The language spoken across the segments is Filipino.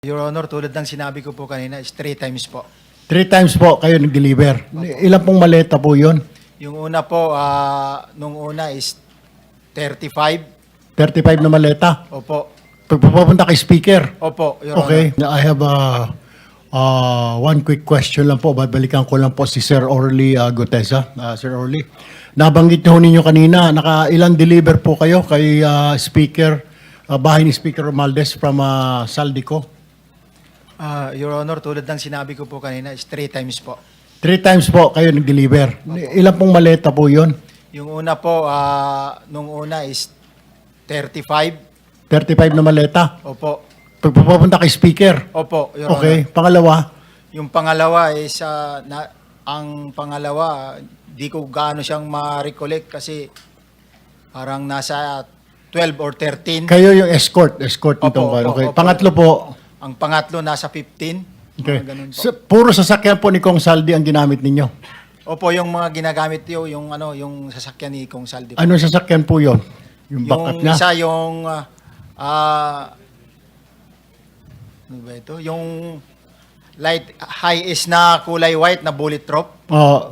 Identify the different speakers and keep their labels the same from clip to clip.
Speaker 1: Your Honor, tulad ng sinabi ko po kanina, is 3 times po.
Speaker 2: 3 times po kayo nag-deliver. Ilan pong maleta po yun?
Speaker 1: Yung una po, nung una is 35.
Speaker 2: 35 na maleta.
Speaker 1: Opo.
Speaker 2: Pagpapunta kay speaker.
Speaker 1: Opo, Your
Speaker 2: Okay.
Speaker 1: Honor.
Speaker 2: I have one quick question lang po. Babalikan ko lang po si Sir Orly Gutesa. Sir Orly, nabanggit niyo ninyo kanina, ilang deliver po kayo kay speaker, bahay ni Speaker Romualdez from Saldico?
Speaker 1: Your Honor, tulad ng sinabi ko po kanina, is 3 times po.
Speaker 2: 3 times po kayo nag-deliver. Ilan pong maleta po yun?
Speaker 1: Yung una po, nung una is 35.
Speaker 2: 35 na maleta.
Speaker 1: Opo.
Speaker 2: Pagpapunta kay speaker.
Speaker 1: Opo, Your
Speaker 2: Okay.
Speaker 1: Honor.
Speaker 2: Pangalawa?
Speaker 1: Yung pangalawa is, ang pangalawa, di ko gaano siyang ma-recollect kasi parang nasa 12 or 13.
Speaker 2: Kayo yung escort nitong
Speaker 1: Opo,
Speaker 2: ano. Okay.
Speaker 1: opo.
Speaker 2: Pangatlo po.
Speaker 1: Ang pangatlo nasa 15.
Speaker 2: Okay.
Speaker 1: Mga ganun po.
Speaker 2: Puro sasakyan po ni Kong Saldi ang ginamit ninyo.
Speaker 1: Opo, yung mga ginagamit yung yung sasakyan ni Kong Saldi.
Speaker 2: Anong sasakyan po yon? Yung
Speaker 1: Yung
Speaker 2: backup niya?
Speaker 1: isa yung ano ba ito? Yung light high is na kulay white na bullet drop.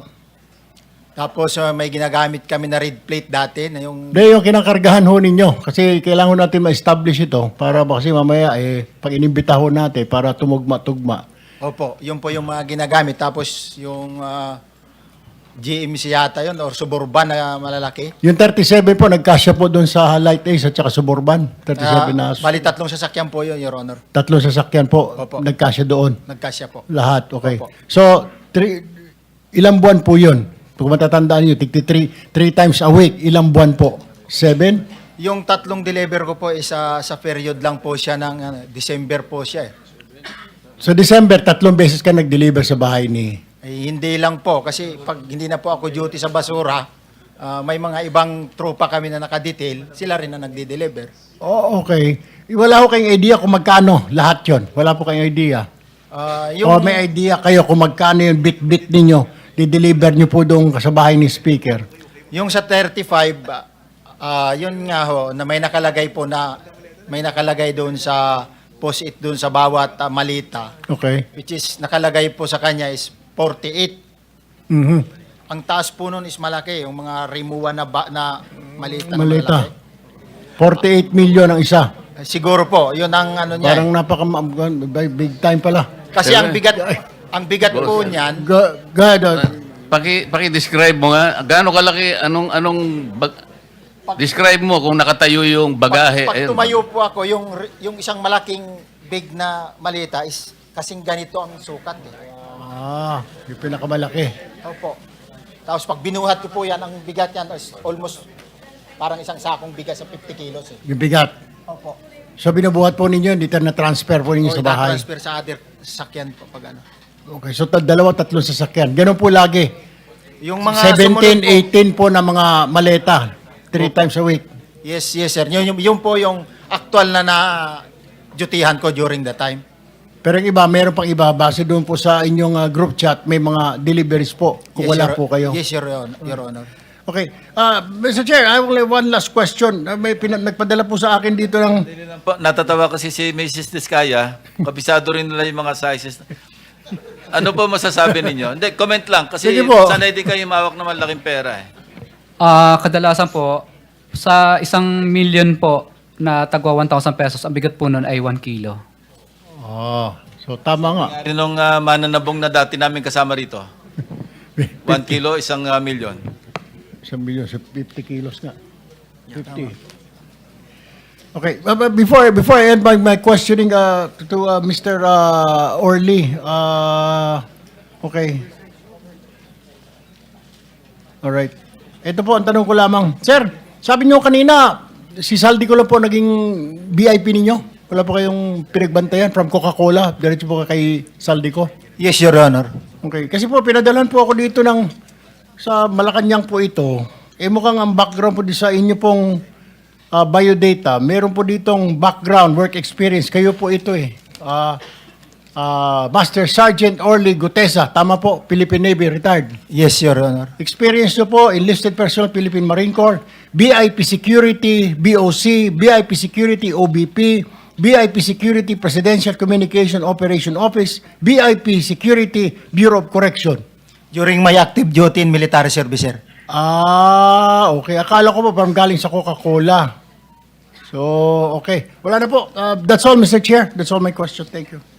Speaker 1: Tapos may ginagamit kami na red plate dati na yung
Speaker 2: Yung kinakargahan ho ninyo. Kasi kailangan natin ma-establish ito para kasi mamaya pag inimbita ho natin para tumugma-tugma.
Speaker 1: Opo, yun po yung mga ginagamit. Tapos yung GMC yata yun or Suburban na malalaki.
Speaker 2: Yung 37 po, nagkasya po doon sa Light Ace at saka Suburban. 37 na.
Speaker 1: Bali, 3 sasakyan po yun, Your Honor.
Speaker 2: 3 sasakyan po,
Speaker 1: Opo.
Speaker 2: nagkasya doon.
Speaker 1: Nagkasya po.
Speaker 2: Lahat, okay.
Speaker 1: Opo.
Speaker 2: So, ilang buwan po yun? Kung matatandaan nyo, 3 times a week, ilang buwan po? 7?
Speaker 1: Yung 3 deliver ko po is sa period lang po siya ng December po siya eh.
Speaker 2: So, December, 3 beses ka nag-deliver sa bahay ni...
Speaker 1: Hindi lang po kasi pag hindi na po ako duty sa basura, may mga ibang tropa kami na nakadetail, sila rin na nagde-deliver.
Speaker 2: Oh, okay. Wala ko kayong idea kung magkano lahat yon. Wala po kayong idea. O may idea kayo kung magkano yung bit-bit ninyo, di-deliver nyo po doon sa bahay ni speaker.
Speaker 1: Yung sa 35, yun nga ho, na may nakalagay po na, may nakalagay doon sa post-it doon sa bawat malita,
Speaker 2: Okay.
Speaker 1: which is nakalagay po sa kanya is 48.
Speaker 2: Mhm.
Speaker 1: Ang taas po nun is malaki, yung mga rimuwa na malita. na
Speaker 2: Malita.
Speaker 1: malalaki.
Speaker 2: 48 million ang isa.
Speaker 1: Siguro po, yun ang ano niya.
Speaker 2: Parang big time pala.
Speaker 1: Kasi ang bigat po niyan,
Speaker 2: God,
Speaker 3: Paki-describe mo nga, gaano kalaki, describe mo kung nakatayo yung bagahe.
Speaker 1: pag
Speaker 3: Ayun.
Speaker 1: tumayo po ako, yung isang malaking big na malita is kasing ganito ang sukat.
Speaker 2: yung pinakamalaki.
Speaker 1: Opo. Tapos pag binuhat ko po yan, ang bigat yan is almost parang isang sakong bigat sa 50 kilos. Eh.
Speaker 2: Yung bigat.
Speaker 1: Opo.
Speaker 2: So binubuhat po ninyo, dito na transfer po ninyo
Speaker 1: O
Speaker 2: sa bahay.
Speaker 1: transfer sa other sakyan po pag ano.
Speaker 2: Okay, so dalawa, tatlong sasakyan. Ganun po lagi.
Speaker 1: Yung mga
Speaker 2: 17,
Speaker 1: sumunod po,
Speaker 2: 18 po na mga maleta. 3 times a week.
Speaker 1: yes sir. Yun po yung actual na dutihan ko during the time.
Speaker 2: Pero yung iba, meron pang iba. Base doon po sa inyong group chat, may mga deliveries po kung
Speaker 1: Yes,
Speaker 2: wala
Speaker 1: Your-
Speaker 2: po kayo.
Speaker 1: Yes, Your Honor.
Speaker 2: Okay. Mr. Chair, I will have one last question. Nagpadala po sa akin dito ng...
Speaker 4: Natatawa kasi si Mrs. Diskaya, kabisado rin nila yung mga sizes. Ano po masasabi ninyo? Hindi, comment lang. Kasi
Speaker 2: Sige po.
Speaker 4: sanay din kayo mawak ng malaking pera eh.
Speaker 5: Kadalasan po, sa 1 million po na tagwa 1,000 pesos, ang bigat po nun ay 1 kilo.
Speaker 2: So tama nga.
Speaker 4: Nung mananabong na dati namin kasama rito. 1 kilo, 1 milyon.
Speaker 2: 1 million, so 50 kilos nga. 50. Okay, but before I end my questioning to Mr. Orly, okay. All right. Ito po ang tanong ko lamang. Sir, sabi niyo kanina, si Saldi ko lang po naging VIP ninyo. Wala po kayong pinagbantayan from Coca-Cola. Diretso po kay Saldi ko.
Speaker 1: Yes, Your Honor.
Speaker 2: Okay. Kasi po, pinadalan po ako dito sa Malacanang po ito. Mukhang ang background po sa inyo pong biodata. Meron po ditong background, work experience. Kayo po ito Master Sergeant Orly Gutesa. Tama po, Philippine Navy, retired.
Speaker 1: Yes, Your Honor.
Speaker 2: Experience nyo po, enlisted personnel, Philippine Marine Corps, BIP Security, BOC, BIP Security, OBP, BIP Security Presidential Communication Operation Office, BIP Security Bureau of Correction.
Speaker 1: During my active duty in military service, sir.
Speaker 2: Ah, okay. Akala ko pa parang galing sa Coca-Cola. So, okay. Wala na po. That's all, Mr. Chair. That's all my question. Thank you.